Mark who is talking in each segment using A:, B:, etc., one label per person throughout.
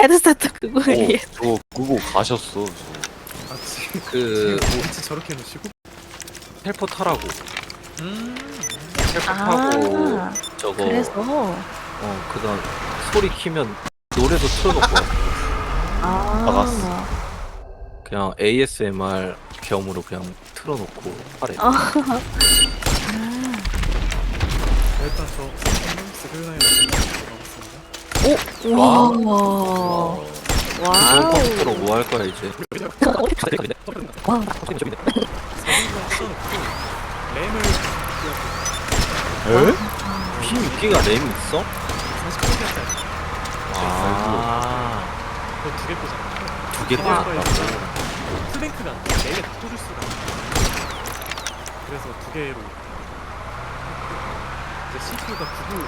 A: 헤드세트 그거 위에.
B: 저 그거 가셨어.
C: 아 지금
B: 그
C: 위치 저렇게 해놓으시고.
B: 텔포 타라고. 텔포
A: 아,
B: 타고 저거
A: 그래서.
B: 그다음 소리 키면 노래도 틀어놓고
A: 아.
B: 그냥 ASMR 겸으로 그냥 틀어놓고 하래.
C: 일단 저 스그나이 나왔습니다.
A: 오, 와.
B: 이번
A: 와우.
B: 컴퓨터로 뭐 할 거야 이제?
A: 와.
C: 램을
B: 에? P6기가 램 있어?
C: 48기가짜리
B: 아,
C: 그거 두개 꽂아.
B: 두개 꽂았다고.
C: 플랭크가 안 돼. 4개 다 꽂을 수가 없어. 그래서 두 개로. 이제 CPU가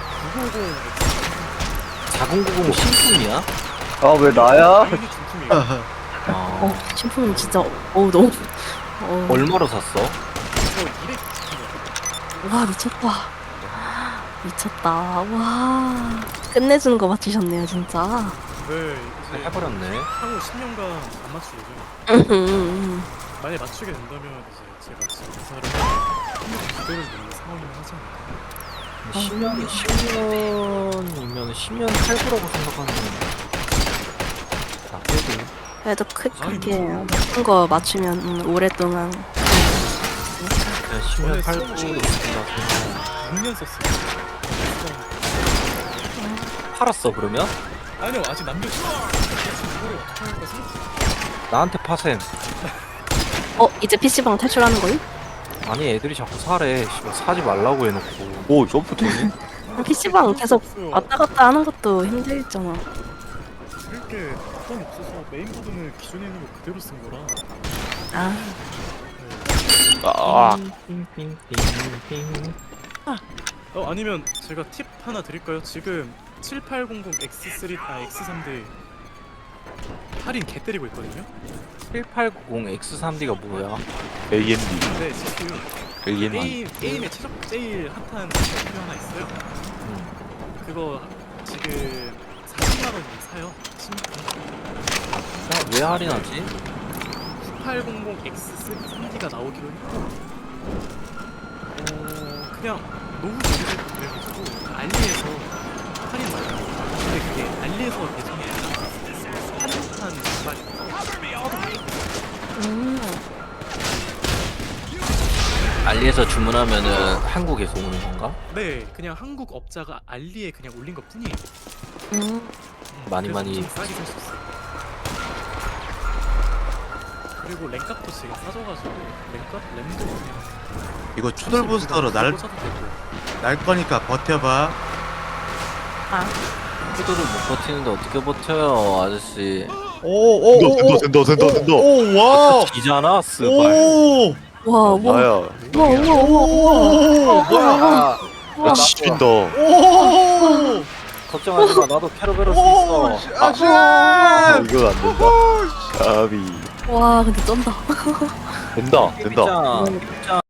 C: 950X.
B: 4090 신품이야?
D: 아 왜 나야?
C: 당연히 중품이에요.
B: 아,
A: 신품은 진짜, 너무.
B: 얼마로 샀어?
C: 그래서 200.
A: 와, 미쳤다. 미쳤다. 와. 끝내주는 거 맞추셨네요, 진짜.
C: 네, 이제
B: 해버렸네.
C: 향후 10년간 안 맞추려고요. 만약 맞추게 된다면 이제 제가 지금 회사를 그대로 놓는 상황이긴 하지 않을까.
B: 10년이면 10년 할부라고 생각하면 나쁘지.
A: 그래도 그렇게 높은 거 맞추면 오랫동안.
B: 그냥 10년 할부로 생각하면
C: 6년 썼어요.
B: 팔았어 그러면?
C: 아니요, 아직 남겨있어요. 이거를 어떻게 할까 생각 중이에요.
B: 나한테 파셈.
A: 이제 PC방 탈출하는 거임?
B: 아니 애들이 자꾸 사래. 씨발 사지 말라고 해놓고. 오 점프되네?
A: PC방 계속 왔다 갔다 하는 것도 힘들잖아.
C: 쓸게 돈 없어서 메인보드는 기존에 있는 거 그대로 쓴 거라.
A: 아,
B: 아.
C: 아니면 제가 팁 하나 드릴까요? 지금 7800X3 X3대 할인 개 때리고 있거든요.
B: 7890 X3D가 뭐야?
D: AMD.
C: 네, CPU 게임에 제일 핫한 CPU 하나 있어요. 그거 지금 40만 원이 사요.
B: 왜 할인하지?
C: 9800X3D가 나오기로 했고, 그냥 너무 오래되고 그래가지고 알리에서 할인 말고, 근데 그게 알리에서 배송이 아니라 한국판 제작이라서
B: 알리에서 주문하면은 한국에서 오는 건가?
C: 네, 그냥 한국 업자가 알리에 그냥 올린 것 뿐이에요.
B: 많이
C: 그래서
B: 많이
C: 좀 싸게 살 수 있어요. 그리고 랭값도 지금 싸져가지고 램도 그냥
E: 이거 추돌 부스터로 날 거니까 버텨봐.
B: 푸드를 못 버티는데 어떻게 버텨요 아저씨.
E: 오오오
D: 된다.
E: 오와
B: 기잖아 스발.
E: 오
A: 와, 와,
D: 나야.
A: 와, 와,
E: 오
B: 뭐야?
D: 야 지린다.
E: 오
B: 걱정하지 마. 나도 캐러베럴 수 있어.
E: 아씨
D: 이건 안 된다. 아비.
A: 와, 근데 쩐다.
D: 된다.
B: 진짜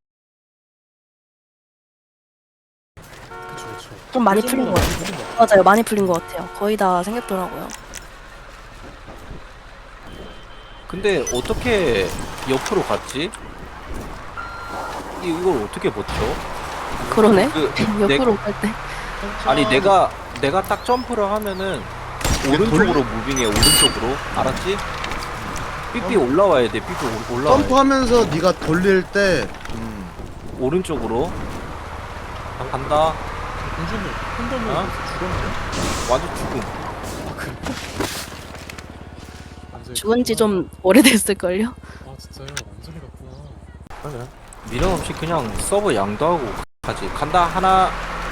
C: 그쵸.
A: 좀 많이 풀린 것 같아요. 맞아요, 많이 풀린 것 같아요. 거의 다 생겼더라고요.
B: 근데 어떻게 옆으로 갔지? 이걸 어떻게 버텨?
A: 그러네.
B: 그
A: 옆으로 갈 때.
B: 아니 내가 딱 점프를 하면은 오른쪽으로 무빙해. 오른쪽으로 알았지? 삐삐 올라와야 돼. 삐삐 올라와야 돼.
E: 점프하면서 네가 돌릴 때
B: 오른쪽으로 간다.
C: 공주님 팬덤을
B: 어?
C: 죽었나요?
B: 완전 죽음.
C: 완전히
A: 죽은 지
C: 갔구나.
A: 좀 오래됐을걸요?
C: 아 진짜요? 완전히 갔구나.
B: 미련 없이 그냥 서버 양도하고 가지. 간다. 하나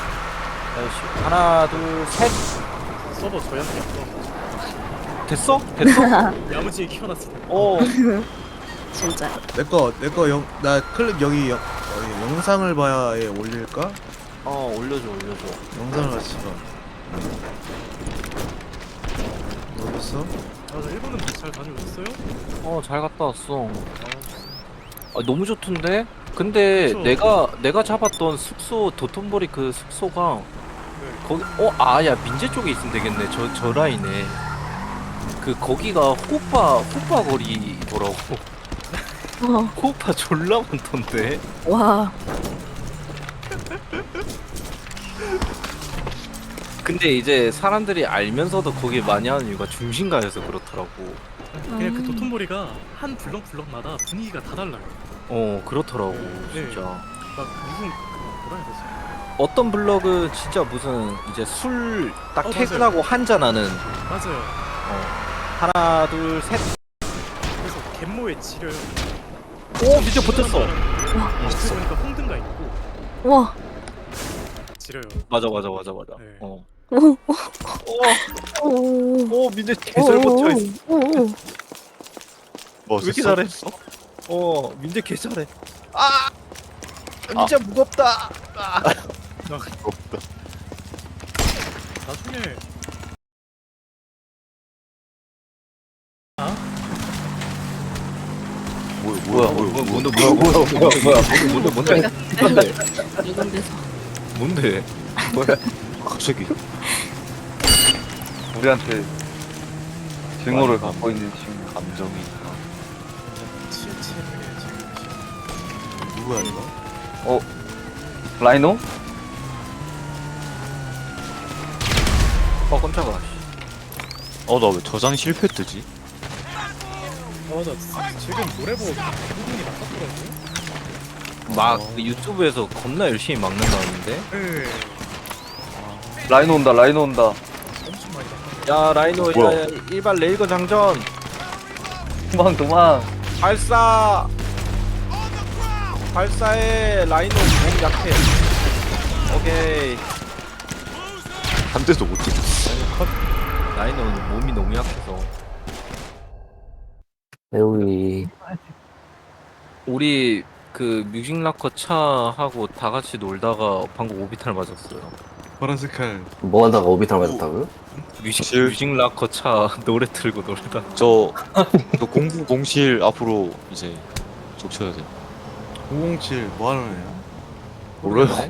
B: 둘 셋.
C: 서버 저희한테 약간
B: 됐어? 됐어?
C: 야무지게 키워놨을 때.
B: 어.
A: 진짜.
E: 내거 나 클립 여기 영상을 봐야에 올릴까?
B: 올려줘.
E: 영상을 같이 봐. 어딨어?
C: 저 일본은 잘 다녀오셨어요?
B: 잘 갔다 왔어.
C: 아,
B: 너무 좋던데? 근데
C: 그쵸.
B: 내가 잡았던 숙소 도톤보리 그 숙소가
C: 네.
B: 거기 야 민재 쪽에 있으면 되겠네. 저 라인에. 그 거기가 호빠 거리더라고.
A: 어,
B: 호빠 졸라 많던데.
A: 와.
B: 근데 이제 사람들이 알면서도 거기 많이 하는 이유가 중심가여서 그렇더라고.
C: 그냥 그 도톤보리가 한 블럭마다 분위기가 다 달라요.
B: 그렇더라고.
C: 네.
B: 진짜.
C: 막 무슨 그 뭐라 해야 되지?
B: 어떤 블럭은 진짜 무슨 이제 술 딱
C: 맞아요.
B: 퇴근하고 한잔하는
C: 맞아요.
B: 하나 둘 셋.
C: 그래서 갯모에 지려요.
B: 오 진짜 붙었어.
C: 어떻게 보니까 홍등가 있고
A: 와.
C: 지려요.
B: 맞아.
C: 네.
B: 어.
A: 오,
B: 오,
A: 오,
B: 오 민재 개잘 버텨 있어.
A: 오, 오.
D: 뭐
B: 왜 이렇게 잘해? 민재 개 잘해. 아, 민재 무겁다. 아.
D: 없다.
C: 나중에
D: 뭐야
B: 뭔데?
A: 이런 데서.
B: 뭔데?
D: 갑자기
F: 우리한테 증오를 갖고 있는 친구.
D: 감정이
C: 치치하게 지금
E: 누구야 이거?
F: 라이노?
B: 깜짝아.
D: 나 왜 저장 실패 뜨지?
C: 맞아. 지금 노래 보고 부분이 바꿨더라고요.
B: 막 유튜브에서 겁나 열심히 막는다는데.
C: 네.
F: 라이노 온다. 라이노 온다.
C: 엄청 많이 바꿨어요.
B: 야 라이노
D: 뭐야?
B: 야, 일반 레일건 장전
F: 도망.
B: 발사. 발사해. 라이노 몸 약해. 오케이.
D: 한 대도 못 찍었어.
B: 라이노는 몸이 너무 약해서.
G: 배우이
B: 우리 그 뮤직락커 차하고 다 같이 놀다가 방금 오비탈 맞았어요.
E: 파란색 칼.
G: 뭐 하다가 오비탈 맞았다고요?
B: 뮤직락커 차 노래 틀고 놀다.
D: 저 공부 공실 앞으로 이제 족쳐야 돼.
E: 007 뭐 하는 애야?
D: 몰라요.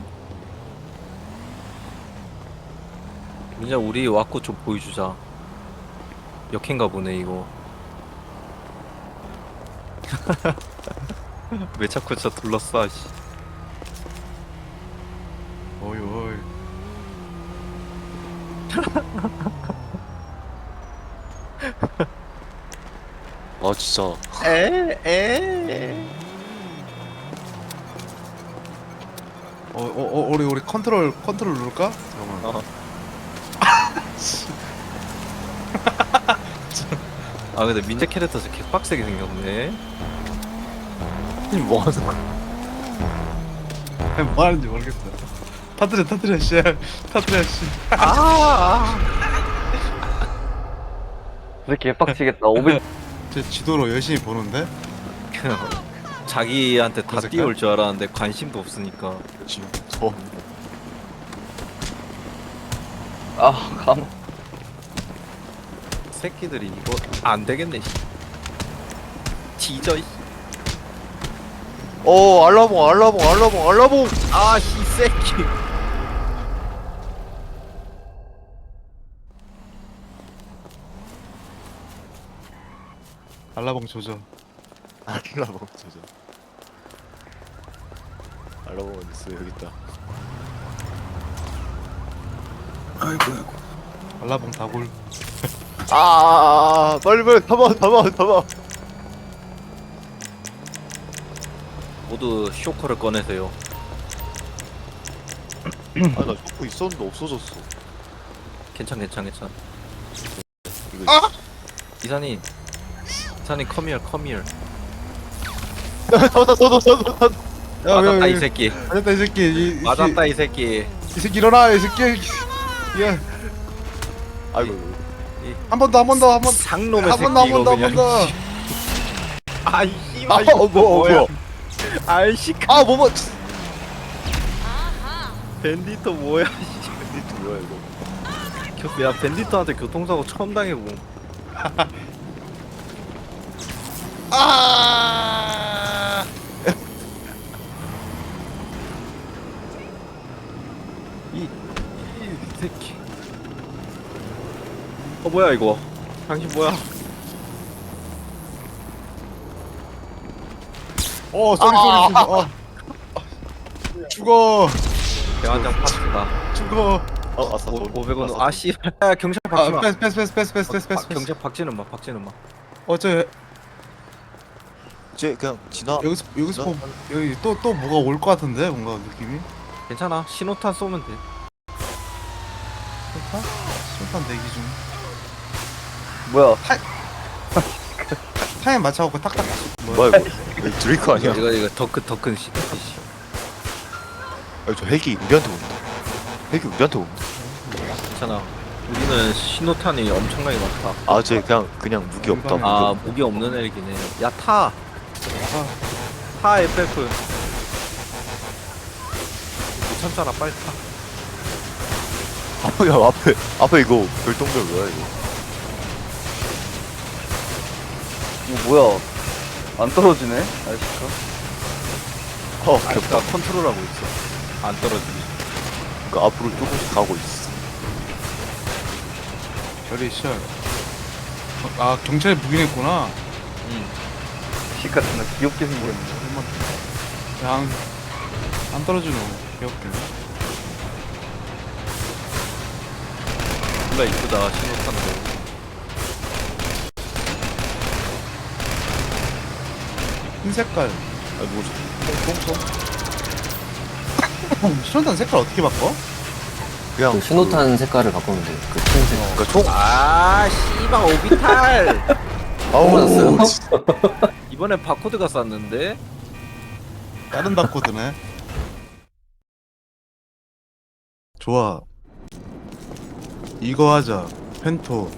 B: 민자 우리 와꾸 좀 보여주자. 역행가 보네 이거. 왜 자꾸 저 둘러싸 씨.
E: 어이 어이.
D: 아 진짜
E: 우리 컨트롤 누를까? 잠깐만.
B: 아 근데 민재 캐릭터 진짜 개빡세게 생겼네.
D: 뭐 하는 거야?
E: 아니, 뭐 하는지 모르겠어. 터뜨려 씨. 터뜨려 씨.
F: 왜 개빡치겠다. 500.
E: 제 지도로 열심히 보는데.
B: 자기한테 다
E: 어색해?
B: 뛰어올 줄 알았는데 관심도 없으니까.
D: 지금 더
F: 감.
B: 새끼들이 이거 안 되겠네. 씨. 뒤져. 씨.
D: 알라봉
B: 아씨 새끼.
E: 알라봉 조져.
D: 알라봉 저저 알라봉 어디 있어? 여기 있다.
E: 아이고. 알라봉 다골.
D: 빨리 담아.
B: 모두 쇼커를 꺼내세요.
D: 나 쇼크 있었는데 없어졌어.
B: 괜찮.
D: 이거
B: 이사님 컴히어.
E: 야,
B: 맞았다
E: 왜,
B: 이 새끼.
E: 맞았다 이 새끼.
B: 맞았다 이 새끼.
E: 이 새끼 일어나 이 새끼. 야,
D: 아이고
E: 한 번 더.
B: 상놈의
E: 한
B: 새끼
E: 번
B: 이거
E: 더.
B: 그냥. 아이 씨발 이거
D: 뭐야
B: 아이씨
D: 뭐야
B: 밴디터 뭐야.
D: 밴디트 뭐야 이거.
B: 야 밴디터한테 교통사고 처음 당해보. 이 새끼. 뭐야 이거. 당신 뭐야?
E: 쏘리. 죽어.
B: 대환장 파트다.
E: 죽어.
D: 아싸.
B: 500원. 아 씨. 야 경찰 박지 마.
E: 패스.
B: 경찰 박지는 마. 박지는 마.
D: 이제 그냥 지나.
E: 여기서 보면 여기 또 뭐가 올 것 같은데 뭔가 느낌이.
B: 괜찮아. 신호탄 쏘면 돼.
E: 술탄 대기 중.
F: 뭐야?
E: 타임 맞춰갖고 탁탁.
D: 뭐야 이거? 이거 드레이크 아니야?
B: 이거 더큰 씨.
D: 아니, 저 헬기 우리한테 온다. 헬기 우리한테 온다.
B: 괜찮아. 우리는 신호탄이 엄청나게 많다.
D: 아, 쟤 그냥 무기 없다.
B: 아 무기 없는 애기네. 야 타. 타 FF. 못 참잖아. 빨리 타.
D: 야, 앞에 이거 별똥별 뭐야 이거?
F: 이거 뭐야? 안 떨어지네? 아이씨가.
B: 아까 컨트롤하고 있어. 안 떨어지게.
D: 그러니까 앞으로 조금씩 가고 있어.
E: 별이 시작. 아 경찰이 묵인했구나.
F: 식 같은 거 귀엽게 생겼네.
E: 안 떨어지노. 귀엽게.
B: 존나 이쁘다. 신호탄도.
E: 흰 색깔.
D: 아, 뭐지?
E: 신호탄 색깔 어떻게 바꿔?
D: 그냥
G: 그 신호탄 색깔을 바꾸면 돼. 그 흰색.
D: 그러니까 총.
B: 아 씨발 오비탈.
D: 아우.
G: 맞았어요?
B: 이번엔 바코드가 쌌는데.
E: 다른 바코드네. 좋아. 이거 하자. 펜토.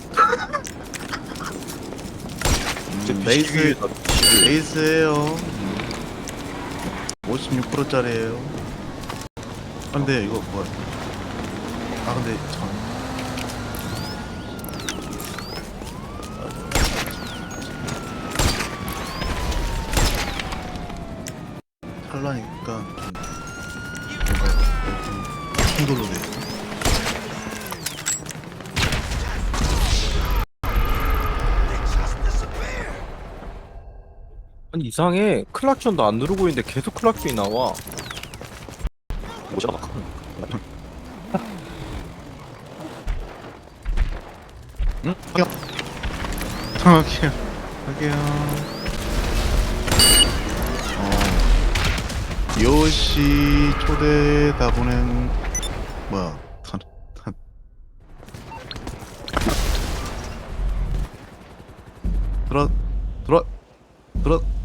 E: 레이스. 레이스예요. 56%짜리예요. 근데 이거 뭐야? 아 근데 참. 살라니까 충돌로 돼.
B: 아니 이상해. 클락션도 안 누르고 있는데 계속 클락션이 나와.
D: 뭐지?
E: 응? 할게요. 요시 초대 다 보낸 뭐야? 들어